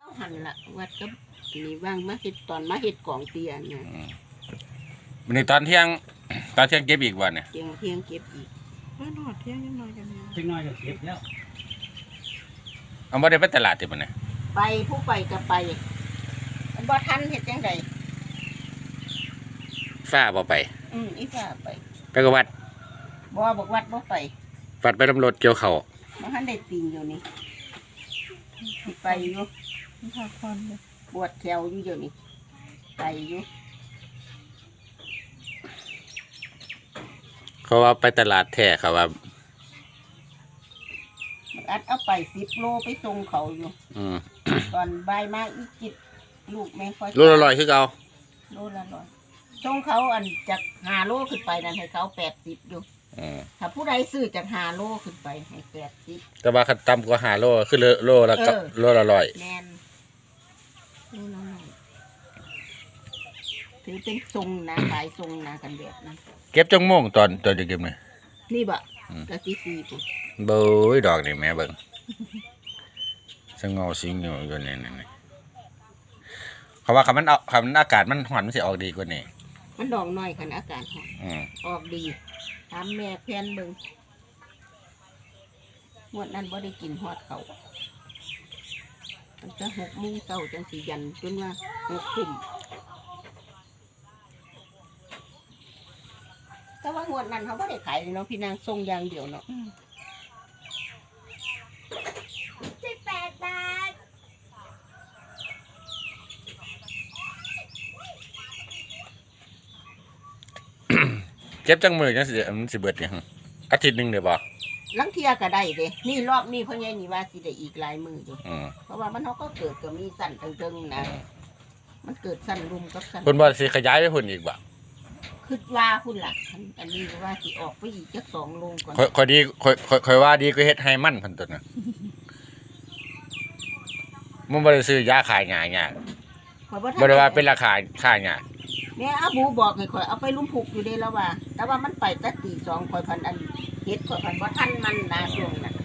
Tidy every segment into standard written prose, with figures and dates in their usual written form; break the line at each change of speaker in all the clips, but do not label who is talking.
หันละวัดก็นี่ว่างมาเห็ดตอนมาเห็ดกองเตียนเนี่ย
วันนี้ตอนเที่ยงเก็บอีกวันเนี่ย
เที่ยงเก็บอีกว่านอดเที่ยงยังน้อยกันเนี่ย
เล็กน้อยก็เก็บแล้ว
เอาบ่ได้ไปตลาดติบ่เนี่ย
ไปผู้ไปก็ไปมันบ่ทันเห็ดจังได
ฟ้าบ่ไป
อีฟ้าไป
ไปกับวัด
บ่บอกวัดบ่ไป
วัดไปตำรวจเกี่ยวเขา
บ่ทันได้ติงอยู่นี่สิไปอยู่
พักผ่อนเลย
ปวดแขวอยู่เดี๋ยวนี้ไปอยู่
เขาว่าไปตลาดแท้เขาว่า
มันอัดเอาไป10 โลไปส่งเขาอยู่ ตอนบ่ายมาอีจิตลูกแม่ค่อย
โลละ100คือเก่า
โลละร้อยส่งเขาอันจาก5 โลขึ้นไปนั่นให้เขา80อยู่ถ้าผู้ใดซื้อจาก5 โลขึ้นไปให้80
แต่ว่าคันต่ำกว่า5โลคือโลละกับโลละ100
แม่นโลละร้อยถือเป็นทรงนะขายทรงนะกันแบบนั้น
เก็บจังโมงตอนจะเก็บนี่
นี่บะกะทิซีปุ๊บ
เบ้ยดอกนี่แม่เบิ่งสงอสิงอยู่นี่เขาว่าคำมันอากาศมันร้อนมันสิออกดีกว่านี้
มันดอกน้อยขนาดอากาศหอม ออกดีถามแม่แพนเบิ่งงวดนั้นบ่ได้กินฮอดเขามันจะ6 โมงเช้าจังสิยันจนว่า6 ทุ่มแต่ว่างวดนั้นเขาบ่ได้ขายเลยเนาะพี่นางส่งอย่างเดียวเนาะ18 บาท
เก็บจังมือจังสิมันสิเบิดเนี่ยอาทิตย์หนึงเด้อบ่
ลังเทียก็ได้เด้นี่รอบนี้เพิ่นใหญ่นี่ว่าสิได้อีกหลายมื้ออยู่เพราะว่ามันเขาก็เกิดก็มีสั่นเทิงๆนะมันเกิดสั่นรุมกับสั่น
เพิ่นว่าสิขยายไปพุ่นอีกบ่
คิดว่าพุ่นล่ะอันนี้ว่าสิออกไปอีกจัก2 โลก่อน
ค่อยดีค่อยว่าดีก็เฮ็ดให้มันเพิ่นตัวน่ะมันบ่ได้ซื้อยาขายหยาๆบ่ได้ว่าเป็นราคาค่ายา
แม่อาบูบอกให้ข่อยเอาไปลุ่มผูกอยู่เด้แล้วว่า แต่ว่ามันไปแต่ตี 2ข่อยพันอันเฮ็ดข่อยพันบ่ทันมันนะช่วงนั้น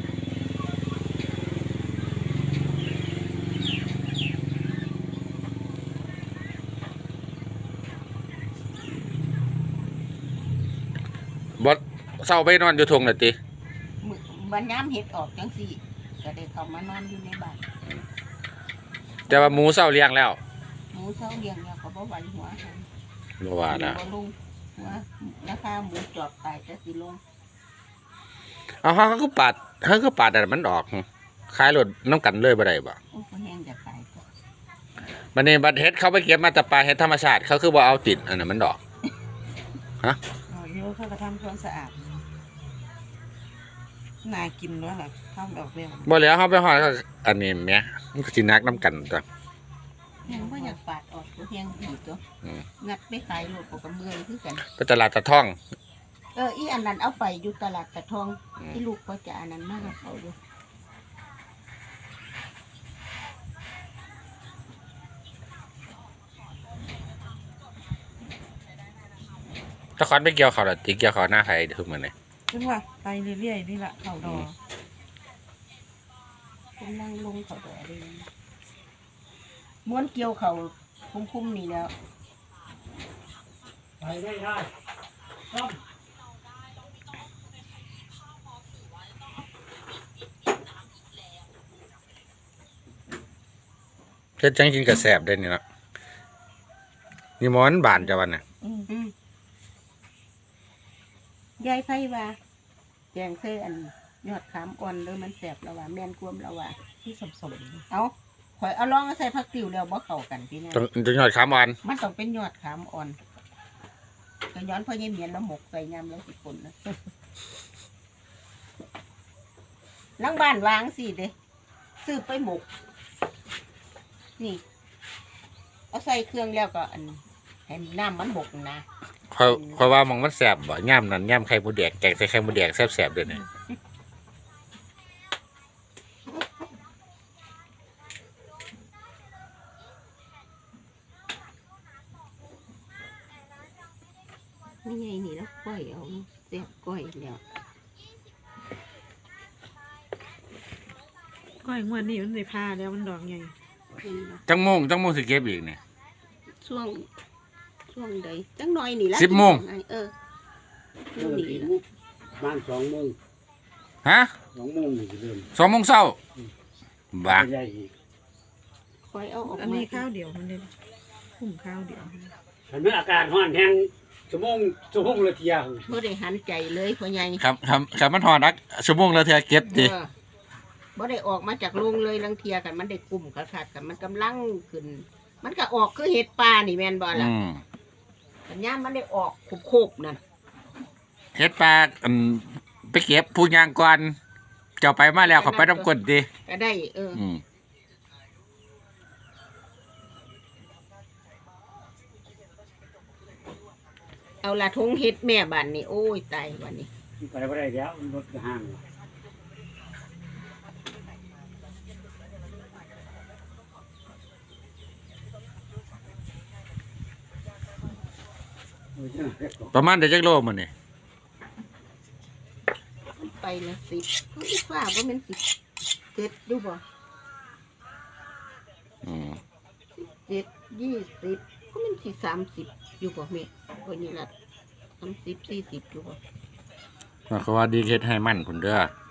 บ่เซาไปนอนอยู่ทุ่งน่ะติ
มื้อบัดยามเฮ็ดออกจังซี่ก็ได้เข้ามานอนอยู่ในบ้าน
แต่ว่าหมูเซาเลี้ยงแล้ว
หมูเซาเลี้ยงแล้วก็บ่ไหวหัวหัน
บ่ว่านะ
บ่ลงหัวราคาหมูจอบตายแต่สิลง
เอาเฮาก็ปาดอันมันออกขายรถน้ำกันเลยบ่ได้บ่
โอ้ก็แห้งจะตายก็
บัดนี้บัดเฮ็ดเขาไปเก็บมาแต่ปลาเฮ็ดธรรมชาติเขาคือบ่เอาติดอันนั้นมันดอก
อ๋อเดี๋ยวเขาก็ทำความสะอาดน่ากินด้วยล่ะทำดอกเบี้ย
บ่แล้วเฮาไปฮอดก็อันนี้แหมมันก็สินักน้ำกันตัว
แห้งบ่อยากปาดออกก็แห้งดีตัวงัดไปขายโลดก็เมื่อยคือกัน
ไปตลาดตะท่อง
อีอันนั้นเอาไปอยู่ตลาดตะทองที่ลูกก็จะอันนั้นมากกับเขาอยู่
ตะคอนไปเกี่ยวเขาล่ะติเกี่ยวเขาหน้าไผทุกมื้อนี่
ซึ่งว่าไปเรื่อยๆนี่แหละเขาดอ
ผมนั่งลงเขาดอกเลยม้วนเกี่ยวเขาคุ้มๆนี่แล้ว
ไปได้ต้ม
เฮ็ดจังกินก็แซ่บได้นี่เนาะนี่หมอนบานจ้ะวันน่ะ
ยายไผว่าแกงเส้อันยอดขามอ่อนเลยมันแสบแล้วว่าแม่นกวมแล้วว่า
ที่สม
เอาข่อยเอาลองใส่ผักติ๋วแล้วบ่เข้ากันพี่เนี่ย
ต้องยอดขามอ่อน
มันต้องเป็นยอดขามอ่อนก็ย้อนพ่อเยี่ยมเห็นแล้วหมกใส่ยำแล้วสิคนนะหลังบ้านวางสิเด้ซื้อไปหมก นี่ เอาใส่เครื่องแล้วก็อันให้น้ำมันหมกนะ
ค่อยว่าหมองมันแซ่บบ่ย่ามนั้นย่ามไข่มดแดงแกงใส่ไข่มดแดงแซ่บๆเด้อนี่
ไม่ใช่นี่แล้วก้อยเอาเสียบก้อยแล้ว
ก้อยงวดนี้มันได้พาแล้วมันดอกใหญ่
จังโมงสิเก็บอีกนี่
ช่วงใดจังน้อยนี่ละ
10 โมง
เออ
เริ่ม
นี่
กี่
ล่ะ
โมงบ้าน2 โมง
ฮะ
2 โมงนี่สิเริ่ม
2 โมงเช้าบ้า
ใหญ่อีก
คอยเอาออก
อัน
มา
นี้ข้าวเดียวมันเลยหุ่มข้าวเดียว
ถ้ามีอาการร้อนแห้งชั่วโมงละเที่ย
บ่ได้หันใจเลยพ่อใหญ่
ครับมันหอนักชั่วโมงละเทื่อเก็บดิ
เออบ่ได้ออกมาจากโรงเลยลังเทียกันมันได้กลุ่มขาดกันมันกำลังขึ้น มันก็ออกคือเห็ดปลานี่แม่นบ่ล่ะ
อืม
สัญญาณมันได้ออกโคบๆนั่น
เฮ็ดปลาไปเก็บผู้ย่างก่อนเจ้าไปมาแล้วเขาไปน้ำกดดิ
ก็ได้
อืม
เอาละทงเฮ็ดแม่บ้านนี่โอ้ยตายวันนี้
ไปบ่ได้แล้วรถก็ห่างโอ้ยจังได๋ก็
ประมาณได้จักโลมื้อนี่
มันไปละ10ก็อีกว่าบ่แม่น10เจ็ดดูบ่
อืม
7 20ก็แม่นสิ30อยู่บ่แม่โอ้ยนี่ล่ะ30 40อยู่บ่
เขาว่าดีเฮ็ดให้มันพุ่นเด้อ